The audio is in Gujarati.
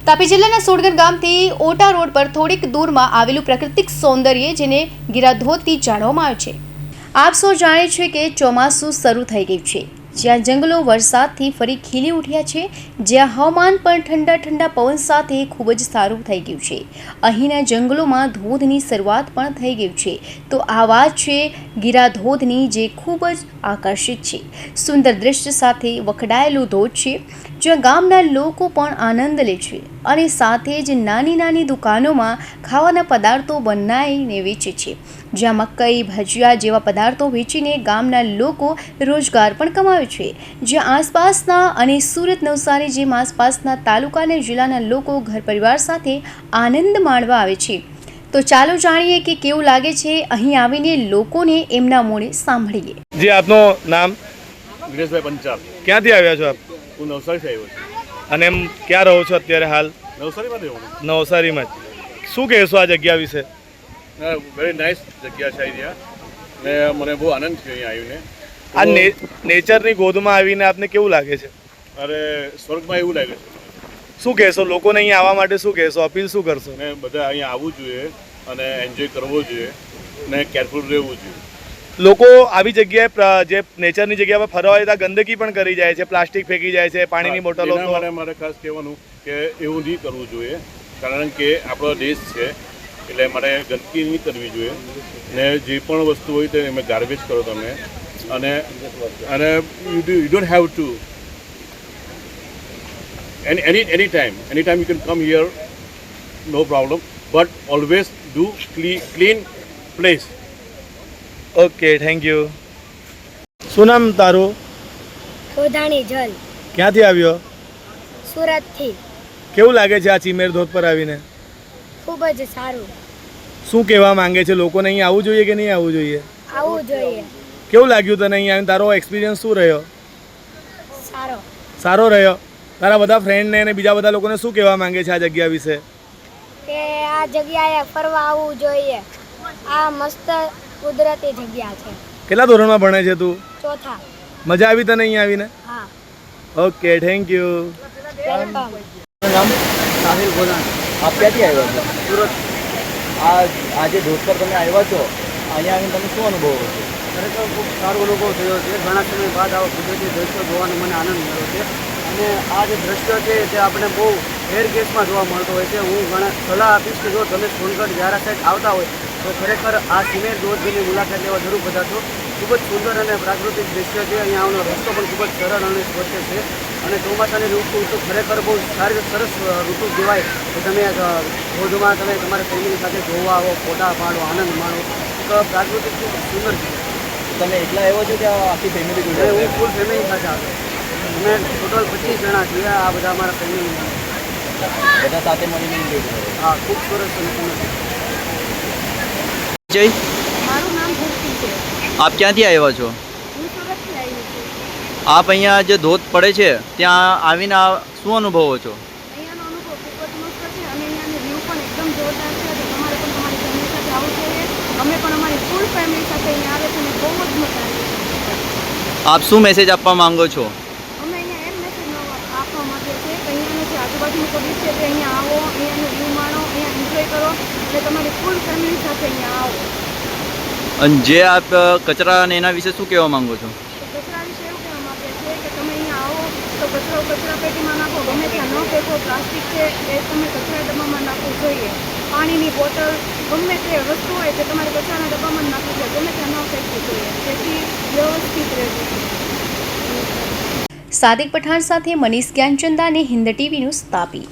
તાપી જિલ્લાના સોડગર ગામથી ઓટા રોડ પર થોડીક દૂરમાં આવેલું પ્રાકૃતિક સૌંદર્ય જેને ગિરાધોધથી જાણવામાં આવે છે। આપ સૌ જાણે છે કે ચોમાસું શરૂ થઈ ગયું છે, જ્યાં જંગલો વરસાદથી ફરી ખીલી ઉઠ્યા છે, જ્યાં હવામાન પણ ઠંડા ઠંડા પવન સાથે ખૂબ જ સારું થઈ ગયું છે। અહીંના જંગલોમાં ધોધની શરૂઆત પણ થઈ ગઈ છે। તો આ વાત છે ગિરાધોધની, જે ખૂબ જ આકર્ષિત છે। સુંદર દૃશ્ય સાથે વખડાયેલું ધોધ છે, જ્યાં ગામના લોકો પણ આનંદ લે છે અને સાથે જ નાની નાની દુકાનોમાં ખાવાના પદાર્થો બનાવીને વેચે છે, જ્યાં મકાઈ, ભજીયા જેવા પદાર્થો વેચીને ગામના લોકો રોજગાર પણ કમાવે છે, જ્યાં આસપાસના અને સુરત, નવસારી જેમ આસપાસના તાલુકા અને જિલ્લાના લોકો ઘર પરિવાર સાથે આનંદ માણવા આવે છે। તો ચાલો જાણીએ કે કેવું લાગે છે અહીં આવીને લોકોને, એમના મોઢે સાંભળીએ। જી, આપનું નામ? દિનેશભાઈ પંચાલ। ક્યાંથી આવ્યા છો આપ? હું નવસારીથી આવ્યો છું। અને એમ ક્યાં રહો છો અત્યારે હાલ? નવસારીમાં જ રહું। નવસારીમાં જ। શું કહેશો આ જગ્યા વિશે? વેરી નાઇસ જગ્યા છે અહીંયા, ને મને બહુ આનંદ છે અહીંયા આ આવીને। નેચરની ગોદમાં આવીને આપને કેવું લાગે છે? અરે સ્વર્ગમાં એવું લાગે છે। શું કહેશો લોકોને અહીંયા આવવા માટે? શું કહેશો, અપીલ શું કરશો? ને બધા અહીંયા આવવું જોઈએ અને એન્જોય કરવો જોઈએ ને કેરફુલ રહેવું જોઈએ। લોકો આવી જગ્યાએ, જે નેચરની જગ્યા પર ફરવા જતા ગંદકી પણ કરી જાય છે, પ્લાસ્ટિક ફેંકી જાય છે, પાણીની બોટલો। એના માટે મારે ખાસ કહેવાનું કે એવું નહીં કરવું જોઈએ, કારણ કે આપણો દેશ છે એટલે મારે ગંદકી નહીં કરવી જોઈએ, ને જે પણ વસ્તુ હોય તે તમે ગાર્બેજ કરો તમે, અને અને you don't have to any time you can come here, no problem, but always do clean place। Okay, thank you. શું નામ તારું? ગોધાણી જલ। ક્યાંથી આવ્યો? સુરતથી। કેવું લાગે છે આ ચીમેર ધોધ પર આવીને? ખૂબ જ સારું। શું કહેવા માંગે છે લોકોને? અહીંયા આવવું જોઈએ કે નહીં આવવું જોઈએ? આવવું જોઈએ। કેવું લાગ્યું તને અહીંયા આવીને? તારો એક્સપિરિયન્સ શું રહ્યો? સારો। સારો રહ્યો। તારા બધા ફ્રેન્ડને અને બીજા બધા લોકોને શું કહેવા માંગે છે આ જગ્યા વિશે? કે આ જગ્યાએ ફરવા આવવું જોઈએ। આ મસ્ત કુદરતી જગ્યા છે। કેટલા ધોરણમાં ભણે છે તું? ચોથા। મજા આવી તને અહીંયા આવીને? હા। Okay, thank you. વેલકમ। નામ સાહિલ ગોધાણી। આપ ક્યાંથી આવ્યા છો? સુરત। આજે ધોધ પર તમે આવ્યા છો, અહીંયા આવીને તમે શું અનુભવો છો? ખરેખર ખૂબ સારો અનુભવ થયો છે। ઘણા સમય બાદ આવા કુદરતી દ્રશ્યો જોવાનો મને આનંદ મળ્યો છે, અને આ જે દ્રશ્ય છે તે આપણે બહુ રેર કેસમાં જોવા મળતો હોય છે। હું ઘણા સલાહ આપીશ કે જો તમે સોનગઢ વ્યારા સાઈડ આવતા હોય તો ખરેખર આ સીમેર ધોધની મુલાકાત લેવા જરૂર પધારશો। ખૂબ જ સુંદર અને પ્રાકૃતિક દ્રશ્ય છે। અહીંયા આવવાનો રસ્તો પણ ખૂબ જ સરળ અને સ્વચ્છ છે, અને ચોમાસાની ઋતુ તો ખરેખર બહુ સારી સરસ ઋતુ કહેવાય કે તમે ધોધમાં તમે તમારા ફેમિલી સાથે જોવા આવો, ફોટા પાડો, આનંદ માણો। એક પ્રાકૃતિક ખૂબ સુંદર છે। તમે એકલા આવ્યો છો કે આખી ફેમિલી જોડે? હું ફૂલ ફેમિલી સાથે આવ્યો। અમે ટોટલ 25 જણા છીએ। આ બધા અમારા ફેમિલી બધા સાથે મળીને એન્જોય કરો। હા, ખૂબ સરસ અને સુંદર છે। જય, મારું નામ ભક્તિ છે। આપ ક્યાંથી આવ્યા છો? હું સુરતથી આવી છું। આપ અહીંયા જે ધોધ પડે છે ત્યાં આવીને શું અનુભવો છો? અહીંયાનો અનુભવ ખૂબ જ મસ્ત છે, અને અહીંયાનો વ્યૂ પણ એકદમ જોરદાર છે। તો તમારે પણ તમારી ફેમિલી સાથે આવવું જોઈએ। અમે પણ અમારી ફૂલ ફેમિલી સાથે અહીંયા આવે છે અને બહુ જ મજા આવે છે। આપ શું મેસેજ આપવા માંગો છો? અમે અહીંયા એમ મેસેજ આપવા માંગીએ છીએ કે અહીંયાનું જે આજુબાજુનું પબ્લિક છે તે અહીંયા આવો, અહીંયાનું વ્યૂ માણો, અહીંયા એન્જોય કરો, અને તમારી ફૂલ ફેમિલી સાથે અહીંયા આવો। અને જે આપ કચરા અને એના વિશે શું કહેવા માંગો છો? તો કચરા વિશે એવું કહેવા માંગીએ છીએ કે તમે અહીંયા આવો તો કચરો કચરા પેટીમાં નાખો, ગમે ત્યાં ન ફેંકો। પ્લાસ્ટિક છે એ તમે કચરા ડબ્બામાં નાખવું જોઈએ। પાણીની બોટલ, ગમે તે વસ્તુ હોય તે તમારે કચરાના ડબ્બામાં નાખવું જોઈએ, ગમે ત્યાં ન ફેંકવું જોઈએ, જેથી વ્યવસ્થિત રહેવું જોઈએ। સાદિક પઠાણ સાથે મનીષ જ્ઞાનચંદાને હિન્દ ટીવી ન્યૂઝ, તાપી।